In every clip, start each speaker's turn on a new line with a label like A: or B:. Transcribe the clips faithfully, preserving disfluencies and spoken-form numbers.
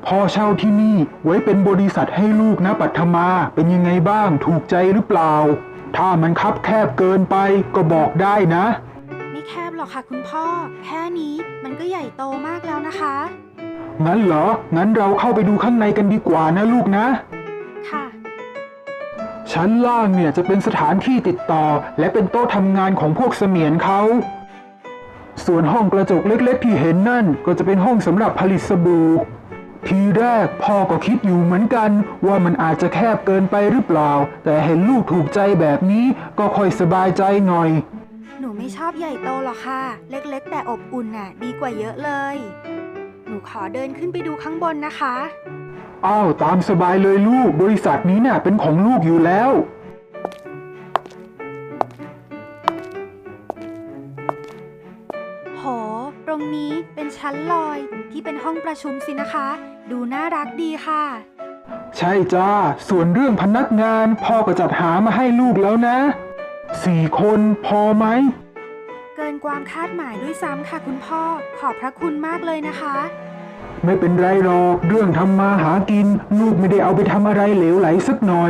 A: พ่อเช่าที่นี่ไว้เป็นบริษัทให้ลูกนะปัทมาเป็นยังไงบ้างถูกใจหรือเปล่าถ้ามันคับแคบเกินไปก็บอกได้นะ
B: ไม่แคบหรอกค่ะคุณพ่อแค่นี้มันก็ใหญ่โตมากแล้วนะคะ
A: งั้นเหรองั้นเราเข้าไปดูข้างในกันดีกว่านะลูกนะ
B: ค่ะ
A: ชั้นล่างเนี่ยจะเป็นสถานที่ติดต่อและเป็นโต๊ะทำงานของพวกเสมียนเขาส่วนห้องกระจกเล็กๆที่เห็นนั่นก็จะเป็นห้องสำหรับผลิตสบู่ทีแรกพ่อก็คิดอยู่เหมือนกันว่ามันอาจจะแคบเกินไปหรือเปล่าแต่เห็นลูกถูกใจแบบนี้ก็ค่อยสบายใจหน่อย
B: หนูไม่ชอบใหญ่โตหรอกค่ะเล็กๆแต่อบอุ่นน่ะดีกว่าเยอะเลยหนูขอเดินขึ้นไปดูข้างบนนะคะ
A: อ้าวตามสบายเลยลูกบริษัทนี้น่ะเป็นของลูกอยู่แล้ว
B: โหตรงนี้เป็นชั้นลอยที่เป็นห้องประชุมสินะคะดูน่ารักดีค่ะ
A: ใช่จ้าส่วนเรื่องพนักงานพ่อก็จัดหามาให้ลูกแล้วนะสี่คนพอไหม
B: เกินความคาดหมายด้วยซ้ำค่ะคุณพ่อขอบพระคุณมากเลยนะคะ
A: ไม่เป็นไรหรอกเรื่องทำมาหากินลูกไม่ได้เอาไปทำอะไรเหลวไหลสักหน่อย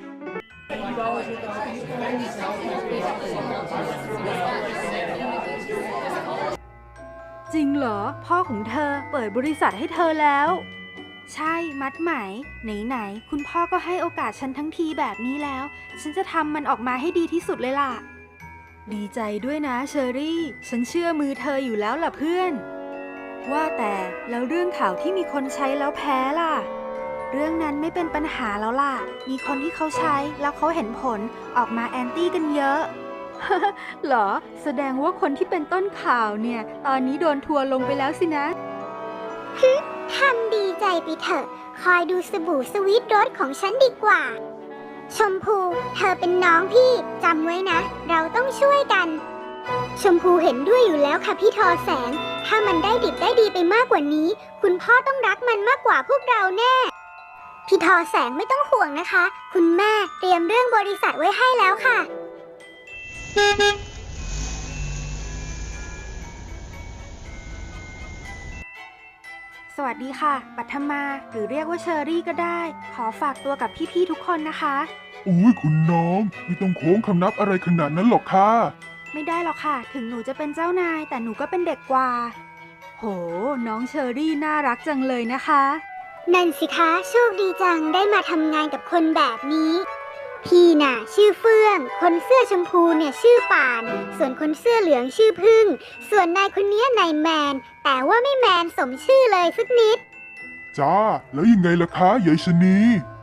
B: จริงเหรอพ่อของเธอเปิดบริษัทให้เธอแล้วใช่มัดไหมไหนๆคุณพ่อก็ให้โอกาสฉันทั้งทีแบบนี้แล้วฉันจะทำมันออกมาให้ดีที่สุดเลยล่ะดีใจด้วยนะเชอรี่ฉันเชื่อมือเธออยู่แล้วล่ะเพื่อนว่าแต่แล้วเรื่องข่าวที่มีคนใช้แล้วแพ้ล่ะเรื่องนั้นไม่เป็นปัญหาแล้วล่ะมีคนที่เขาใช้แล้วเขาเห็นผลออกมาแอนตี้กันเยอะ เหรอแสดงว่าคนที่เป็นต้นข่าวเนี่ยตอนนี้โดนทัวร์ลงไปแล้วสินะ
C: ฮึทำดีใจไปเถอะคอยดูสบู่สวีทรสของฉันดีกว่าชมพูเธอเป็นน้องพี่จำไว้นะเราต้องช่วยกันชมพูเห็นด้วยอยู่แล้วค่ะพี่ทอแสงถ้ามันได้ดิบได้ดีไปมากกว่านี้คุณพ่อต้องรักมันมากกว่าพวกเราแน่พี่ทอแสงไม่ต้องห่วงนะคะคุณแม่เตรียมเรื่องบริษัทไว้ให้แล้วค่ะ
B: สวัสดีค่ะปัทมาหรือเรียกว่าเชอรี่ก็ได้ขอฝากตัวกับพี่ๆทุกคนนะคะ
D: อุ้ยคุณน้องไม่ต้องโค้งคำนับอะไรขนาดนั้นหรอกค่ะ
B: ไม่ได้หรอกค่ะถึงหนูจะเป็นเจ้านายแต่หนูก็เป็นเด็กกว่าโหน้องเชอรี่น่ารักจังเลยนะคะ
C: นั่นสิคะโชคดีจังได้มาทำงานกับคนแบบนี้พี่น่ะชื่อเฟื่องคนเสื้อชมพูเนี่ยชื่อป่านส่วนคนเสื้อเหลืองชื่อพึ่งส่วนนายคนนี้นายแมนแต่ว่าไม่แมนสมชื่อเลยสักนิด
D: จ้าแล้วยังไงล่ะคะยายชนี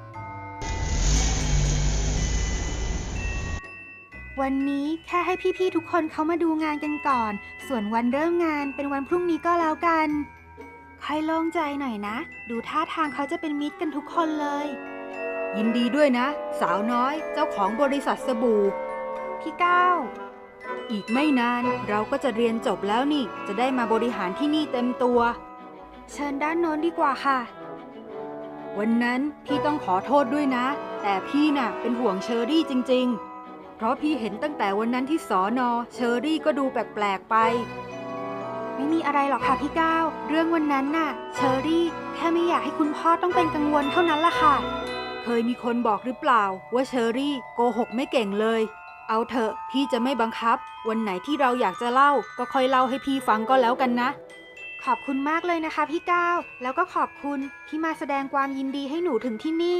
B: วันนี้แค่ให้พี่ๆทุกคนเขามาดูงานกันก่อนส่วนวันเริ่มงานเป็นวันพรุ่งนี้ก็แล้วกันค่อยโล่งใจหน่อยนะดูท่าทางเขาจะเป็นมิตรกันทุกคนเลยยินดีด้วยนะสาวน้อยเจ้าของบริษัทสบู่พี่ก้าวอีกไม่นานเราก็จะเรียนจบแล้วนี่จะได้มาบริหารที่นี่เต็มตัวเชิญด้านโน้นดีกว่าค่ะวันนั้นพี่ต้องขอโทษด้วยนะแต่พี่น่ะเป็นห่วงเชอรี่จริงๆเพราะพี่เห็นตั้งแต่วันนั้นที่สอนอเชอรี่ก็ดูแปลกๆไปไม่มีอะไรหรอกค่ะพี่ก้าวเรื่องวันนั้นน่ะเชอรี่แค่ไม่อยากให้คุณพ่อต้องเป็นกังวลเท่านั้นล่ะค่ะเคยมีคนบอกหรือเปล่าว่าเชอรี่โกหกไม่เก่งเลยเอาเถอะพี่จะไม่บังคับวันไหนที่เราอยากจะเล่าก็ค่อยเล่าให้พี่ฟังก็แล้วกันนะขอบคุณมากเลยนะคะพี่ก้าวแล้วก็ขอบคุณที่มาแสดงความยินดีให้หนูถึงที่นี่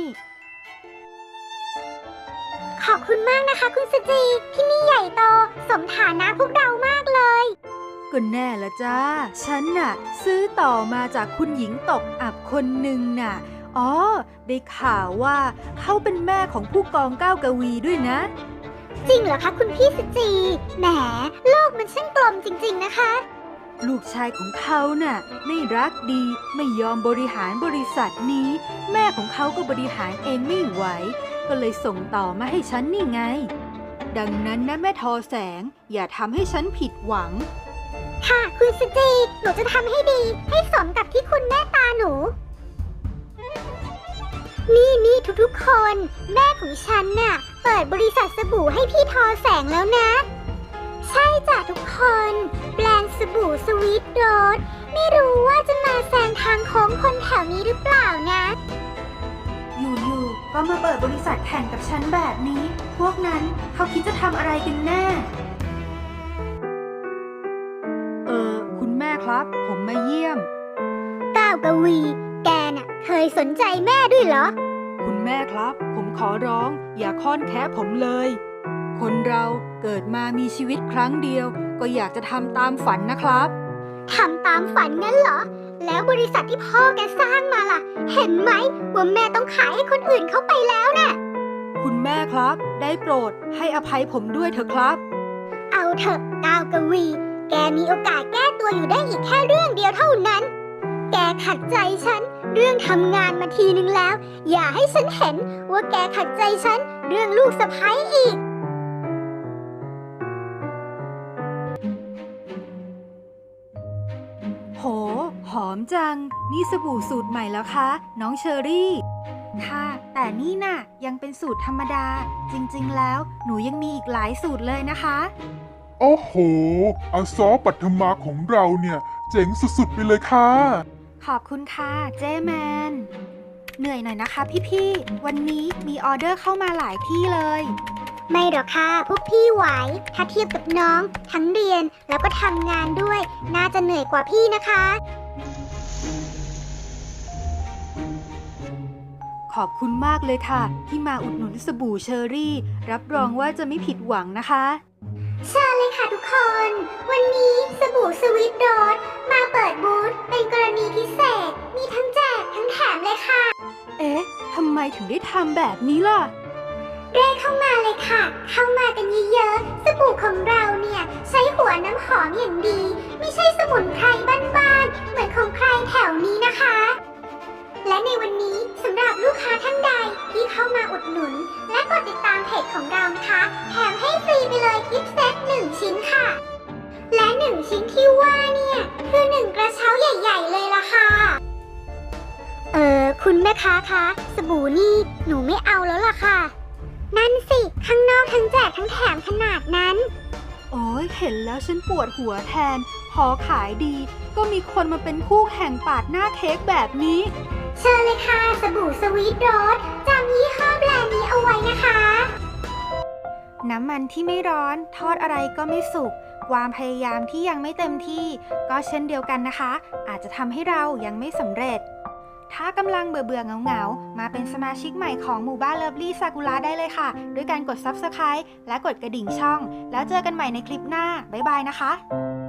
C: ขอบคุณมากนะคะคุณสจีที่นี่ใหญ่โตสมฐานะพวกเรามากเลย
B: ก็แน่ละจ้าฉันน่ะซื้อต่อมาจากคุณหญิงตกอับคนหนึ่งน่ะอ๋อได้ข่าวว่าเขาเป็นแม่ของผู้กองก้าวกวีด้วยนะ
C: จริงเหรอคะคุณพี่สจีแหมโลกมันช่างกลมจริงๆนะคะ
B: ลูกชายของเขาน่ะไม่รักดีไม่ยอมบริหารบริษัทนี้แม่ของเขาก็บริหารเองไม่ไหวก็เลยส่งต่อมาให้ฉันนี่ไงดังนั้นนะแม่ทอแสงอย่าทำให้ฉันผิดหวัง
C: ค่ะคุณสจีหนูจะทำให้ดีให้สมกับที่คุณแม่ตาหนูนี่นี่ทุกๆคนแม่ของฉันน่ะเปิดบริษัทสบู่ให้พี่ทอแสงแล้วนะใช่จ้ะทุกคน แบรนด์สบู่สวีทโรสไม่รู้ว่าจะมาแซงทางโค้งคนแถวนี้หรือเปล่านะ
B: อยู่ๆก็มาเปิดบริษัทแข่งกับฉันแบบนี้ พวกนั้นเขาคิดจะทำอะไรกันแน่ เออ คุณแม่ครับ ผมมาเยี่ยม
C: ก้าวกวี แกน่ะเคยสนใจแม่ด้วยเหรอ
B: คุณแม่ครับ ผมขอร้อง อย่าค้อนแคะผมเลย คนเราเกิดมามีชีวิตครั้งเดียว ก็อยากจะทำตามฝันนะครับ
C: ทำตามฝันงั้นเหรอ แล้วบริษัทที่พ่อแกสร้างมาล่ะ เห็นไหมว่าแม่ต้องขายให้คนอื่นเขาไปแล้วน่ะ
B: คุณแม่ครับ ได้โปรดให้อภัยผมด้วยเถอะครับ
C: เอาเถอะก้าวกวี แกมีโอกาสแก้ตัวอยู่ได้อีกแค่เรื่องเดียวเท่านั้น แกขัดใจฉันเรื่องทำงานมาทีนึงแล้ว อย่าให้ฉันเห็นว่าแกขัดใจฉันเรื่องลูกสะใภ้อีก
B: โห หอมจัง นี่สบู่สูตรใหม่แล้วคะ น้องเชอรี่ ค่ะ แต่นี่น่ะ ยังเป็นสูตรธรรมดา จริงๆ แล้ว หนูยังมีอีกหลายสูตรเลยนะคะ
D: โอ้โห อาซอปัทมาของเราเนี่ย เจ๋งสุดๆไปเลยค่ะ
B: ขอบคุณค่ะ เจแมน เหนื่อยหน่อยนะคะพี่ๆ วันนี้มีออเดอร์เข้ามาหลายที่เลย
C: ไม่หรอกค่ะพวกพี่ไหว ถ้าเทียบกับน้อง ทั้งเรียนแล้วก็ทำงานด้วย น่าจะเหนื่อยกว่าพี่นะคะ
B: ขอบคุณมากเลยค่ะ ที่มาอุดหนุนสบู่เชอรี่ รับรองว่าจะไม่ผิดหวังนะคะ
C: เชิญเลยค่ะทุกคน วันนี้สบู่สวีทโรสมาเปิดบูธเป็นกรณีพิเศษ มีทั้งแจกทั้งแถมเลยค่ะ
B: เอ๊ะ ทำไมถึงได้ทำแบบนี้ล่ะ
C: เร่เข้ามาเลยค่ะ เข้ามากันเยอะๆ สบู่ของเราเนี่ย ใช้หัวน้ำหอมอย่างดี ไม่ใช่สมุนไพรบ้านๆ เหมือนของใครแถวนี้นะคะ และในวันนี้สำหรับลูกค้าท่านใดที่เข้ามาอุดหนุน และกดติดตามเพจของเรานะคะ แถมให้ฟรีไปเลยกิฟต์เซตหนึ่งชิ้นค่ะ และหนึ่งชิ้นที่ว่าเนี่ย คือหนึ่งกระเช้าใหญ่ๆเลยล่ะค่ะ เออคุณแม่ค้าคะสบู่นี่หนูไม่เอาแล้วล่ะค่ะ นั่นสิ ข้างนอกทั้งแจกทั้งแถมขนาดนั้น
B: โอ้ยเห็นแล้วฉันปวดหัวแทน พอขายดี ก็มีคนมาเป็นคู่แข่งปาดหน้าเค้กแบบนี้
C: เชิญเลยค่ะสบู่สวีทโรสจำยี่ห้อแบรนด์นี้เอาไว้นะคะ
B: น้ำมันที่ไม่ร้อนทอดอะไรก็ไม่สุก ความพยายามที่ยังไม่เต็มที่ ก็เช่นเดียวกันนะคะ อาจจะทำให้เรายังไม่สำเร็จ ถ้ากำลังเบื่อเบื่อเหงาเหงาๆมาเป็นสมาชิกใหม่ของหมู่บ้านเลิฟลี่ซากุระได้เลยค่ะ ด้วยการกด ซับสไครบ์ และกดกระดิ่งช่อง แล้วเจอกันใหม่ในคลิปหน้า บ๊ายบายนะคะ